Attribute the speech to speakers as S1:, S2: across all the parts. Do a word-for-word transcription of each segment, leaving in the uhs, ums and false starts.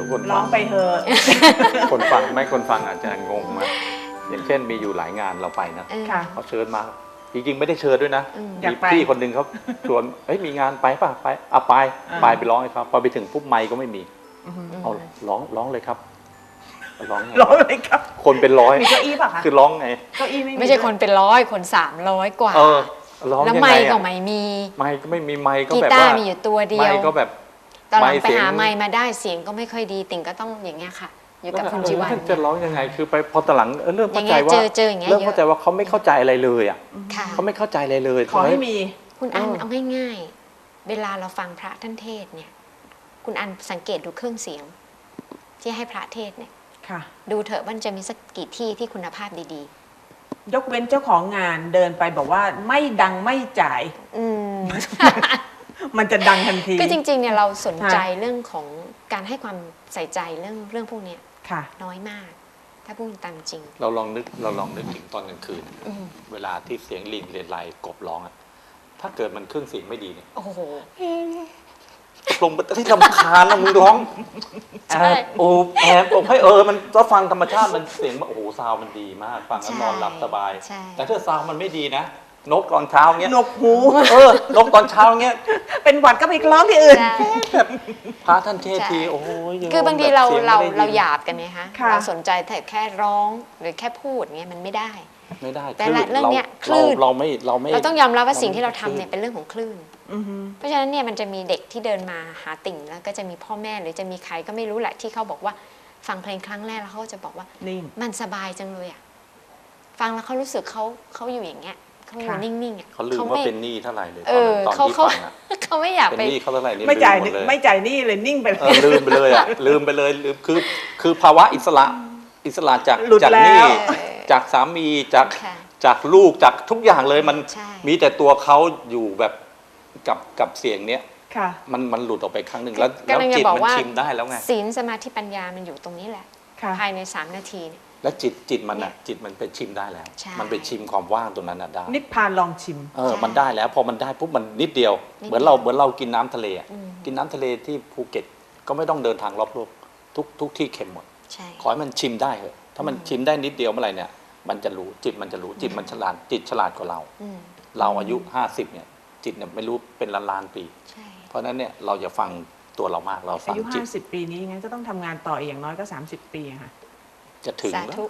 S1: คน
S2: ร้องไปเถอะ
S1: คนฟังไม่คนฟังอาจจะงงมากอย่างเช่นมีอยู่หลายงานเราไปนะ
S2: ค่ะ
S1: เขาเชิญมาจริงๆไม่ได้เชิญด้วยนะ
S2: อยาก
S1: มี
S2: ไป
S1: พี่คนหนึ่งเขาชวนเฮ้ยมีงานไปป่ะไปเอาไปไปไปร้องให้เขาพอไปถึงปุ๊บไมค์ก็ไม่มีเอาร้องร้องเลยครับร้องไง
S2: ร้องเลยครับ
S1: คนเป็นร้อย
S2: มีเก้าอี้ป่ะคะ
S1: คือร้องไง
S2: เก้าอี้ไม่มี
S3: ไม่ใช่คนเป็นร้อยคนสามร้อยกว่า
S1: เออร้อง
S3: แล้ว
S1: ยัง
S3: ไม
S1: ไง
S3: ค์ก็
S1: อะ
S3: ไม่มี
S1: ไมค์ก็ไม่มีไมค์ก็
S3: กี
S1: แบบ
S3: ตา
S1: ว่า
S3: ร์มีอยู่ตัวเดี
S1: ไม
S3: ยว
S1: ค์ก็แบบ
S3: ตอนหลัง
S1: ไมค์
S3: ไป
S1: เสียง
S3: หาไมค์มาได้เสียงก็ไม่ค่อยดีติ่งก็ต้องอย่างเงี้ยค่ะ อยู่กับคุณจีวัน
S1: จะร้องยังไงคือไปพอตอนหลังเออเริ่มเข้าใจ
S3: อย่างเงี้ย
S1: ว่า
S3: เจอเจออย่างเงี้ย
S1: เริ่มเข้าใจว่าเขาไม่เข้าใจอะไรเลยอ่ะ
S3: ค่ะ
S1: เขาไม่เข้าใจอะไรเลย
S2: ขอให้มี
S3: คุณอัน
S1: เออ
S3: เอาง่ายๆ เวลาเราฟังพระท่านเทศน์เนี่ย คุณอันสังเกตดูเครื่องเสียง ที่ให้พระเทศน์เนี่ย
S2: ค่ะ
S3: ดูเถอะว่ามันจะมีสักกี่ที่ที่คุณภาพดี
S2: ยกเว้นเจ้าของงานเดินไปบอกว่าไม่ดังไม่จ่าย
S3: ๆ อืม
S2: มันจะดังทันที
S3: คือจริงๆเนี่ยเราสนใจ
S2: ค่ะ
S3: เรื่องของการให้ความใส่ใจเรื่องเรื่องพวกเนี้ย
S2: ค่ะ
S3: น้อยมาก ถ้าพูดตามจริง
S1: เราลองนึกเราลองนึกถึงตอนกลางคืน
S3: อืม
S1: เวลาที่เสียงลิงเรียนไรกบร้องอะถ้าเกิดมันเครื่องเสียงไม่ดีเนี่ย
S3: โอ้โห
S1: ลงไปที่ลำคาญนะมึงร้อง
S3: ใช่
S1: แอบโอ้แอบบอกให้เออมันก็ฟังธรรมชาติมันเสียงมันโอ้โหซาวด์มันดีมาก ฟังแล้วนอนหลับสบาย
S3: ใช่
S1: แต่ถ้าซาวด์มันไม่ดีนะ นกตอนเช้าเงี้ย
S2: นกหู
S1: เออนกตอนเช้าเงี้ย
S2: เป็นหวัดก็ไปร้องที่อื่น
S3: ใช่
S1: พระท่านเทศที
S3: ใช่
S1: โอ้ยยัง
S3: คือบางทีเรา
S1: แบบสียง
S3: เรา
S1: ไม่ได้ยิน
S3: เราหยาบกันไงคะ
S2: ค่ะ
S3: เราสนใจแต่แค่ร้องหรือแค่พูดเงี้ยมันไม่ได้
S1: ไม่ได้
S3: แต่
S1: คลื่น
S3: เรื่องเนี้ยค
S1: เรา
S3: ลื่น
S1: เราไม่เราไม่
S3: เราต้องยอมรับว่าสิ่งที่เรา
S1: ไม่
S3: ทำเนี่ยเป็นเรื่องของคลื่น
S2: อือฮึ
S3: เพราะฉะนั้นเนี่ยมันจะมีเด็กที่เดินมาหาติ่งแล้วก็จะมีพ่อแม่หรือจะมีใครก็ไม่รู้แหละที่เขาบอกว่าฟังเพลงครั้งแรกแล้วเขาก็จะบอกว่า
S2: นิ่ง
S3: มันสบายจังเลยอ่ะฟังแล้วเขารู้สึกเขาเขาอยู่อย่างเงี้ยเขาอยู่
S2: ค่ะ
S3: นิ่งๆอ่ะ
S1: เขาลืมว่าเป็นหนี้เท่าไหร่เลยต
S3: เอ
S1: อน
S3: อ
S1: นั้นตอน
S3: เขา
S1: ที่
S3: เขา
S1: ฟังอะ
S3: เขาไม่อยาก
S1: เป็น
S3: ไป
S1: หนี้เขาเท่าไหร่เนี่ย
S2: ไม่จ่าย
S1: ลืมหมดเลย
S2: ไม่จ่ายหนี่เลยนิ่งไปเล
S1: เออย ลืมไปเลยอ่ะลืมไปเลยลืมคือคือภาวะอิสระอิสระจาก
S2: หลุด
S1: จาก
S2: แล้ว
S1: หนี้จากสามีจาก
S3: ค่ะ
S1: จากลูกจากทุกอย่างเลยมัน
S3: ใช่
S1: มีแต่ตัวเขาอยู่แบบกับกับเสียงเนี้ย
S2: ค่ะ
S1: มันมันหลุดออกไปครั้งหนึ่งแล้ว
S3: กำลัง
S1: แล้ว
S3: จะ
S1: จิต
S3: บอก
S1: มัน
S3: ว่า
S1: ชิมได้แล้วไง
S3: ศีลสมาธิปัญญามันอยู่ตรงนี้แหละ
S2: ค่ะ
S3: ภายในสามนาทีเนี่ย
S1: แล้วจิตจิตมันอ่ะจิตมันไปชิมได้แล้ว
S3: ใช่
S1: มันไปชิมความว่างตรงนั้นน่ะได้
S2: นิพพานลองชิม
S1: เออ
S3: ใช่
S1: มันได้แล้วพอมันได้ปุ๊บมันนิดเดียว
S3: นิดเดียว
S1: เหมือนเราเหมือนเรากินน้ำทะเลอะ
S3: อืม
S1: กินน้ำทะเลที่ภูเก็ตก็ไม่ต้องเดินทางรอบโลกทุกทุกที่เค็มหมด
S3: ใช่
S1: ขอให้มันชิมได้เถอะถ้ามันชิมได้นิดเดียวเมื่อไหร่เนี่ยมันจะรู้จิตมันจะรู้จิตมันฉลาดจิตฉลาดกว่าเรา
S3: อืม
S1: เราอายุห้าสิบเนี่ยจิตเนี่ยไม่รู้เป็นล้านล้านๆปี
S3: ใช่
S1: เพราะฉะนั้นเนี่ยเราอย่าฟังตัวเรามากเราฟั
S2: อาง ยุ
S1: จิต
S2: ห้าสิบปีนี้งั้นก็ต้องทำงานต่ออีกอย่างน้อยก็สามสิบปีอะค่ะ
S1: จะถึง
S3: สา
S1: แล้ว
S3: ธุ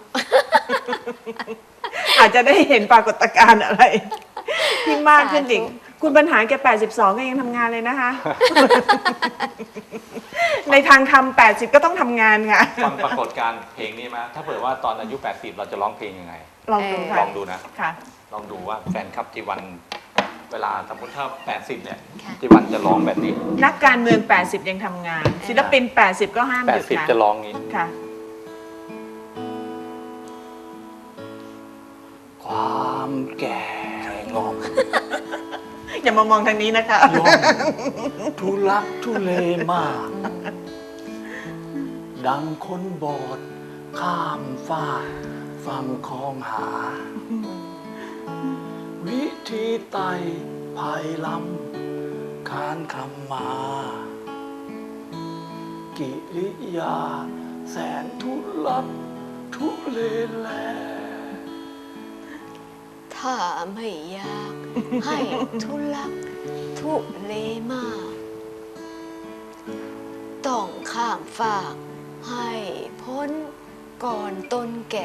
S2: อาจจะได้เห็นปรากฏการณ์อะไร ที่มากขึ้นอีก
S3: สาธุ
S2: คุณปัญหาแกแปดสิบสองก็ยังทำงานเลยนะคะ ในทางทำแปดสิบก็ต้องทำงานค่ะ
S1: ฟังปรากฏการณ์เพลงนี้มาถ้าเผื่อว่าตอนอายุแปดสิบเราจะร้องเพลงยังไง
S2: ลองดูค่ะ
S1: ลองดูนะ
S2: ค่ะ
S1: ลองดูว่าแฟนคลับจีวันเวลาสมมติถ้าแปดสิบเนี่ย
S3: ค่ะ
S1: จีวันจะร้องแบบนี้
S2: นักการเมืองแปดสิบยังทำงาน ศิลปินแปดสิบก็ห้าม
S1: แป
S2: ห
S1: ด
S2: ยุด
S1: สิบ
S2: ค่ะ
S1: จะร้องงี้
S2: ค่ะ
S1: ความแก่งอม
S2: อย่ามามองทางนี้นะคะ
S1: ย่อมทุลักทุเลมาก ดังคนบอด ข้ามฟ้ากฟังคลองหา วิธีไต่ภายลำคานคำมา กิริยา แสนทุลักทุเลแล
S3: ถ้าไม่อยากให้ทุลักทุเลมาก ต้องข้ามฝากให้พ้นก่อนต้นแก่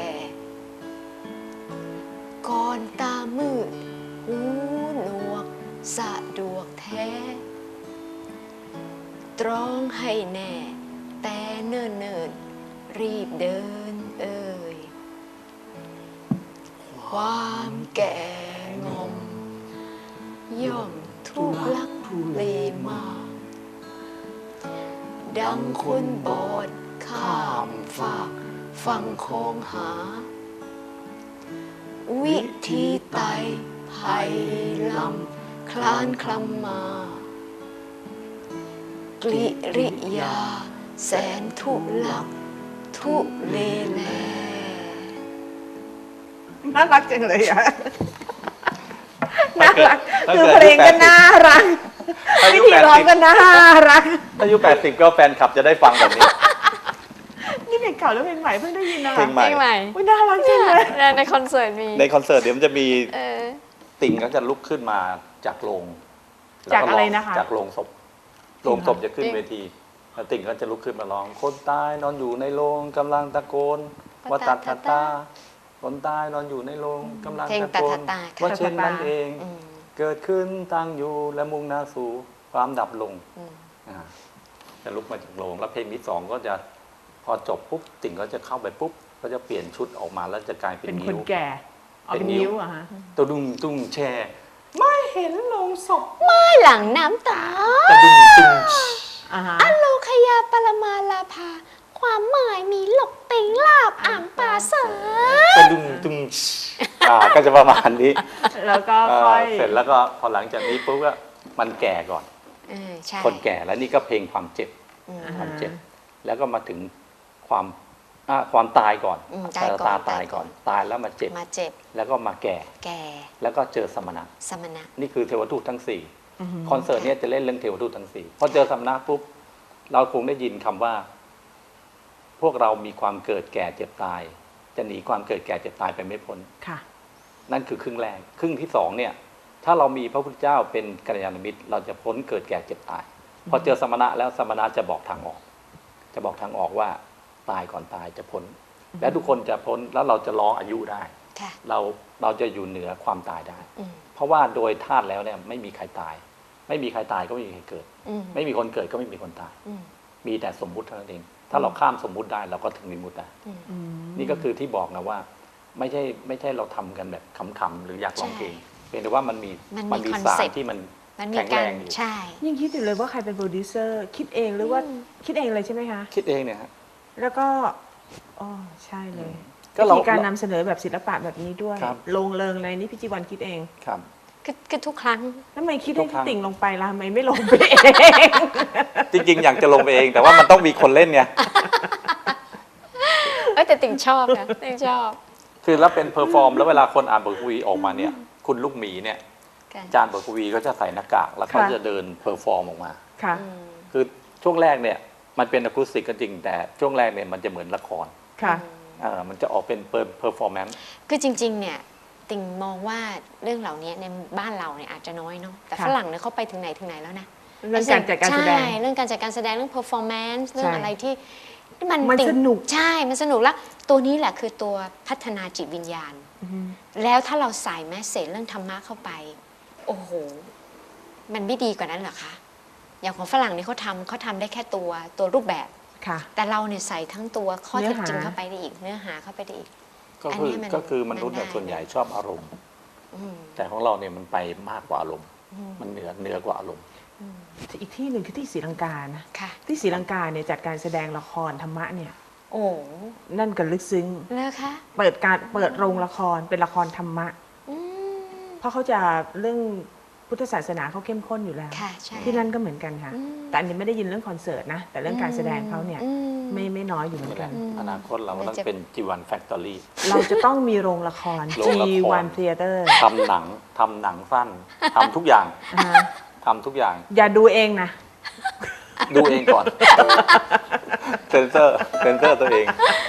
S3: ก่อนตามืด หูหนวกสะดวกแท้ ตรองให้แน่ แต่เนิ่นเนินๆรีบเดินเอ่ย ความแก่งอม ย่อมทุลักทุเลมาก ดังคนบอดข้ามฝากฟังคงหา วิธีไต่ภัยลำคลานคลำมา กลิริยา แสนทุลักทุเลแล
S2: น่ารักจังเลยอะ
S1: ถ้า
S2: น่า
S1: เกิด
S2: รัก
S1: ถ้า
S2: คือ
S1: เกิด
S2: เพลงก็
S1: อายุแปดสิบ
S2: น่ารัก
S1: อา
S2: วิ
S1: ยุ
S2: ธี
S1: แปด
S2: ร้อง
S1: สิบ
S2: ก็น่ารัก
S1: อายุแปดสิบก็แฟนคลับจะได้ฟังแบบนี้
S2: นี่เพลงเก่าแล้วเพลงใหม่เพิ่งได้ยินนะ
S1: เพลงใหม่
S3: เพลงใหม่
S2: อุ๊ยน่ารักจังเลย
S3: เนี่ยในคอนเสิร์ตมี
S1: ในคอนเสิร์ตเดี๋ยวมันจะมี
S3: เออ
S1: ติ่งก็จะลุกขึ้นมาจากโรง
S2: จากอะไรนะคะ
S1: จากโรงศพโรงศพจะขึ้นเวทีแล้วติ่งก็จะลุกขึ้นมาร้องคนตายนอนอยู่ในโรงกำลังตะโกนว่าตัดตาตาคนตายนอนอยู่ในโรงกำลัง
S3: เพลง
S1: ตะโกน
S3: ตาตาตา
S1: ว่าเช่นนั้นเอง
S3: อืม
S1: เกิดขึ้นตั้งอยู่และมุ่งหน้าสู่ความดับลง
S3: อืม
S1: อ่าจะลุกมาจากโรงแล้วเพลงที่สองก็จะพอจบปุ๊บติ่งก็จะเข้าไปปุ๊บก็จะเปลี่ยนชุดออกมาแล้วจะกลายเป็น
S2: เป็นค
S1: นิ้
S2: น
S1: ว
S2: แก่เอา
S1: เป็
S2: เป็น
S1: นนิ้ว
S2: นิ้วอะฮะ
S1: ตัวดุ้งตุ้งแช่ ไม่เห็นโลงศพ
S3: ไม่หลังน้ำตา
S1: จะดุ้งตุ้ง
S2: อ่าฮะ
S3: อโลคยาปรมาลาภา ความหมายมีหลกติงลาบอ่างปาเส
S1: จะดุ้งตุ้งอ่าก็จะประมาณนี้
S2: แล้วก็
S1: อ่า
S2: ค่อย
S1: เสร็จแล้วก็พอหลังจากนี้ปุ๊บก็มันแก่ก่อน
S3: เออใช่
S1: คนแก่แล้วนี่ก็เพลงความเจ็บ
S3: อืม
S1: ความเจ็บ แล้วก็มาถึงความอ่าความตายก่อน
S3: อืมตายก่อน
S1: ตา
S3: ตา
S1: ตาย ย
S3: ก่
S1: ก่
S3: อ
S1: อน น ตายแล้วมาเจ็บ
S3: มาเจ็บ
S1: แล้วก็มาแก่
S3: แก่
S1: แล้วก็เจอสมณะ
S3: สมณะ
S1: นี่คือเทวทูตทั้งสี่
S2: อือหือ
S1: คอนเสิร์ตเนี้ยจะเล่นเรื่องเทวทูตทั้งสี่พอเจอสมณะปุ๊บเราคงได้ยินคำว่า พวกเรามีความเกิดแก่เจ็บตาย จะหนีความเกิดแก่เจ็บตายไปไม่พ้น
S2: ค่ะ
S1: นั่นคือครึ่งแรกครึ่งที่สองเนี่ย ถ้าเรามีพระพุทธเจ้าเป็นกัลยาณมิตร เราจะพ้นเกิดแก่เจ็บตาย พอเจอสมณะแล้วสมณะจะบอกทางออก จะบอกทางออกว่าตายก่อนตายจะพ้น และทุกคนจะพ้นแล้วเราจะร้องอายุได้
S3: ค่ะ
S1: เราเราจะอยู่เหนือความตายได้
S3: อืม
S1: เพราะว่าโดยธาตุแล้วเนี่ยไม่มีใครตาย ไม่มีใครตายก็ไม่มีใครเกิด
S3: อืม
S1: ไม่มีคนเกิดก็ไม่มีคนตาย
S3: อืม
S1: มีแต่สมมุติเท่านั้นเอง ถ้าเราข้ามสมมุติได้เราก็ถึงวิมุตติได้
S3: อืม
S2: อืม
S1: นี่ก็คือที่บอกนะว่า ไม่ใช่ไม่ใช่เราทำกันแบบขำๆหรืออยากลองเพลงเพียงแต่ว่ามันมี
S3: มันมี
S1: มี
S3: คอน
S1: สาร
S3: เซ็ปต์
S1: ที่มัน
S3: มันมี
S1: แข็ง
S3: กา
S1: แร
S3: รง
S1: อยู่
S3: ใช่
S2: ยิ่งคิดอยู่เลยว่าใครเป็นโปรดิวเซอร์ คิดเองหรือว่า
S3: อืม
S2: คิดเองเลยใช่ไหมคะ
S1: คิดเองเนี่ยฮะ
S2: แล้วก็อ๋อใช่เลย
S1: ก็
S2: วิ
S1: เรา
S2: ธีการนำเสนอแบบศิลปะแบบนี้ด้วย
S1: ครับ
S2: ลงเริงเลยนี่พี่จีวันคิดเอง
S1: ครับ
S3: คือคือทุกครั้ง
S2: ทำไมคิด
S1: ทุ
S2: ให้
S1: กครั้ง
S2: ติ่งลงไปล่ะทำไมไม่ลงไปเอง
S1: จริงๆ อยากจะลงไปเอง แต่ว่ามันต้องมีคนเล่นไง
S3: เอ้ยแต่ติ่งชอบนะติ่งชอบ
S1: คือแล้วเป็นเพอร์ฟอร์มแล้วเวลาคนอ่านบทกวีออกมาเนี่ย คุณลูกหมีเนี่ย
S3: ค่ะ
S1: อาจารย์บทกวีก็จะใส่หน้ากากแล้วเขา
S2: ค่ะ
S1: จะเดินเพอร์ฟอร์มออกมา
S2: ค่ะ
S3: อืม
S1: คือช่วงแรกเนี่ยมันเป็นอะคูสติกก็จริงแต่ช่วงแรกเนี่ยมันจะเหมือนละคร
S2: ค่ะ
S1: เออมันจะออกเป็นเพอร์ฟอร์แมนซ์
S3: คือจริง ๆ เนี่ย ติ่งมองว่าเรื่องเหล่านี้ในบ้านเราเนี่ยอาจจะน้อยเนาะแต่
S2: ค่ะ
S3: ฝรั่งเนี่ยเขาไปถึงไหนถึงไหนแล้วนะ
S2: เรื่องการจัดการแสดง
S3: ใช่เรื่องการจัดการแสดงเรื่อง performance เรื่องอะไรที่ที่มัน
S2: มัน
S3: ติ่ง
S2: สนุก
S3: ใช่ มันสนุกแล้วตัวนี้แหละคือตัวพัฒนาจิตวิญญาณ
S2: อือหือ
S3: แล้วถ้าเราใส่แมสเซจเรื่องธรรมะเข้าไป โอ้โห มันไม่ดีกว่านั้นเหรอคะ อย่างของฝรั่งนี่เขาทำเขาทำได้แค่ตัวตัวรูปแบบ
S2: ค่ะ
S3: แต่เราเนี่ยใส่ทั้งตัวข้อ
S2: เนื้
S3: เท็
S2: อ
S3: จ
S2: หา
S3: จริงเข้าไปได้อีก เนื้อหาเข้าไปได้อีก
S1: ก็
S3: อัน
S1: คื
S3: นี้
S1: อ
S3: มัน
S1: ก็คือมนุษย์
S3: มันได้
S1: เนี่ยส่วนใหญ่ชอบอารมณ์
S3: อืม
S1: แต่ของเราเนี่ยมันไปมากกว่าอารมณ์
S3: อืม
S1: มันเหนือเหนือกว่าอารมณ์
S3: อืม
S2: อีกที่หนึ่งคือที่ศรีลังกานะ
S3: ค่ะ
S2: ที่ศรีลังกาเนี่ยจัดการแสดงละครธรรมะเนี่ย
S3: โอ้
S2: นั่นกันลึกซึ้ง
S3: เลิกคะ
S2: เปิดการเปิดโรงละครเป็นละครธรรมะ
S3: อืม
S2: เพราะเขาจะเรื่องพุทธศาสนาเขาเข้มข้นอยู่แล้ว
S3: ค่ะใช่
S2: ที่นั่นก็เหมือนกันค่ะ
S3: อืม
S2: แต่อันนี้ไม่ได้ยินเรื่องคอนเสิร์ตนะ แต่เรื่องการแสดงเขาเนี่ย
S3: อืม
S2: ไม่ไม่น้อยอยู่เหมือนกัน
S3: อืม
S1: อนาคตเราก็ต้อง
S3: มันจะ
S1: เป็นจีวันแฟคทอรี่
S2: เราจะต้องมีโรงละคร
S1: โรงละคร
S2: จี วัน Theater
S1: ทำหนังทำหนังสั้นทำทุกอย่าง
S2: อ่าฮะ
S1: ทำทุกอย่าง
S2: อย่าดูเองนะ
S1: ดูเองก่อนเซนเซอร์เซนเซอร์ตัวเอง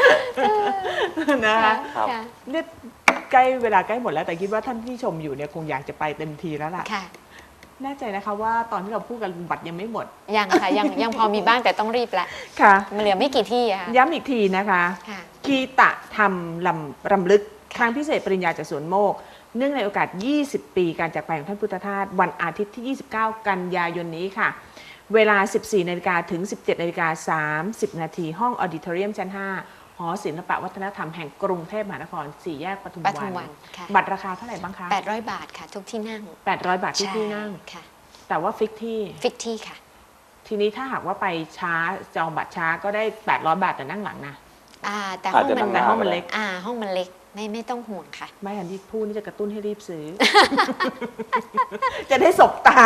S2: นะคะ
S1: ครับ
S3: ค่ะ
S2: เนี่ยใกล้เวลาใกล้หมดแล้วแต่คิดว่าท่านที่ชมอยู่เนี่ยคงอยากจะไปเต็มทีแล้วล่ะ
S3: ค่ะ
S2: แน่ใจนะคะว่าตอนที่เราพูดกันบัตรยังไม่หมด
S3: ยังค่ะยังยังพอมีบ้างแต่ต้องรีบละ
S2: ค่ะ
S3: มันเหลือไม่กี่ที่อะค่ะ
S2: ย้ำอีกทีนะคะ
S3: ค่ะ
S2: คีตะธรรมลำรำลึกครั้งพิเศษปริญญาจากสวนโมก เนื่องในโอกาส ยี่สิบ ปีการจากไปของท่านพุทธทาสวันอาทิตย์ที่ ยี่สิบเก้า กันยายนนี้ค่ะ เวลา สิบสี่ นาฬิกาถึง สิบเจ็ด นาฬิกา สามสิบ นาทีห้องออดิทอเรียมชั้น ห้า หอศิลปวัฒนธรรมแห่งกรุงเทพมหานคร สี่แยกปทุม
S3: ป
S2: วั
S3: ทุม
S2: น
S3: วันค่ะ
S2: บัตรราคาเท่าไหร่บ้างคะ
S3: แปดร้อยบาทค่ะ ทุกที่นั่ง
S2: แปดร้อย บาทที่
S3: ใช่
S2: ที่นั่ง
S3: ค่ะ
S2: แต่ว่าฟิกที่
S3: ฟิกที่ค่ะ
S2: ทีนี้ถ้าหากว่าไปช้าจองบัตรช้าก็ได้ แปดร้อย บาทแต่นั่งหลังนะ
S3: อ่าแต่ห้อง
S1: อาจจะ
S3: มัน
S1: นั่งห
S2: แต่
S1: น้า
S2: ห้องมันเล็ก
S3: อ่าห้องมันเล็กไม่ไม่ต้องห่วงค่ะ
S2: ไม่ทันที่พูดนี่จะกระตุ้นให้รีบซื้อ จะได้สบตา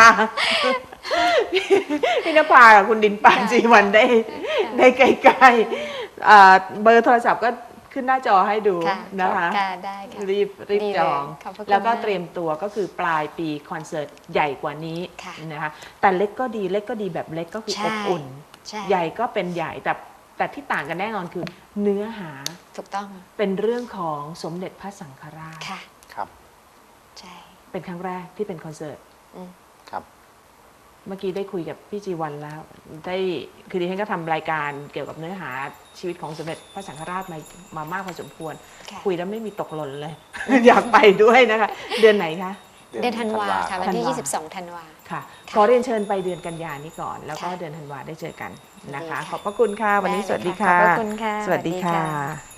S2: พี่นภากับคุณดินปาน
S3: ค่ะ
S2: จีวันได้
S3: ค่ะ
S2: ได้ใกล้ๆอ่าเบอร์โทรศัพท์ก็ขึ้นหน้าจอให้ดู
S3: ค่ะ
S2: นะคะ
S3: ค่ะได้ค่ะ
S2: รีบรีบ
S3: ดีเลย
S2: จอง
S3: ขอบพระคุณ
S2: แล้วก็
S3: มาก
S2: เตรียมตัวก็คือปลายปีคอนเสิร์ตใหญ่กว่านี้
S3: ค่ะ
S2: นะคะแต่เล็กก็ดีเล็กก็ดีแบบเล็กก็คือ
S3: ใช่
S2: อบอุ่น
S3: ใช่
S2: ใหญ่ก็เป็นใหญ่แต่แต่ที่ต่างกันแน่นอนคือเนื้อหา
S3: ถูกต้อง
S2: เป็นเรื่องของสมเด็จพระสังฆราช
S3: ค่ะ
S1: ครับ
S3: ใช่
S2: เป็นครั้งแรกที่เป็นคอนเสิร์ต
S3: อืม
S1: ครับ
S2: เมื่อกี้ได้คุยกับพี่จีวันแล้วได้คือดิฉันก็ทำรายการเกี่ยวกับเนื้อหาชีวิตของสมเด็จพระสังฆราชมามามากพอสมควร
S3: ค่ะ
S2: คุยแล้วไม่มีตกหล่นเลย อยากไปด้วยนะคะ เดือนไหนคะ
S3: เดือนธันวาค่ะ วัน
S2: ธัน
S3: ที่
S2: วา
S3: ยี่สิบสองธันวา
S2: ค่ะ
S3: ค่ะ
S2: ขอเรียนเชิญไปเดือนกันยานี้ก่อน แล้วก็
S3: ค่ะ
S2: เดือนธันวาได้เจอกันนะคะ
S3: ดีค่ะ
S2: ขอบพระคุณค่ะ วันนี้สวัสดีค่ะ
S3: ขอบพระคุณค่ะ
S2: สวัสดี
S3: สวัสดี
S2: ค่ะ
S3: ค่ะ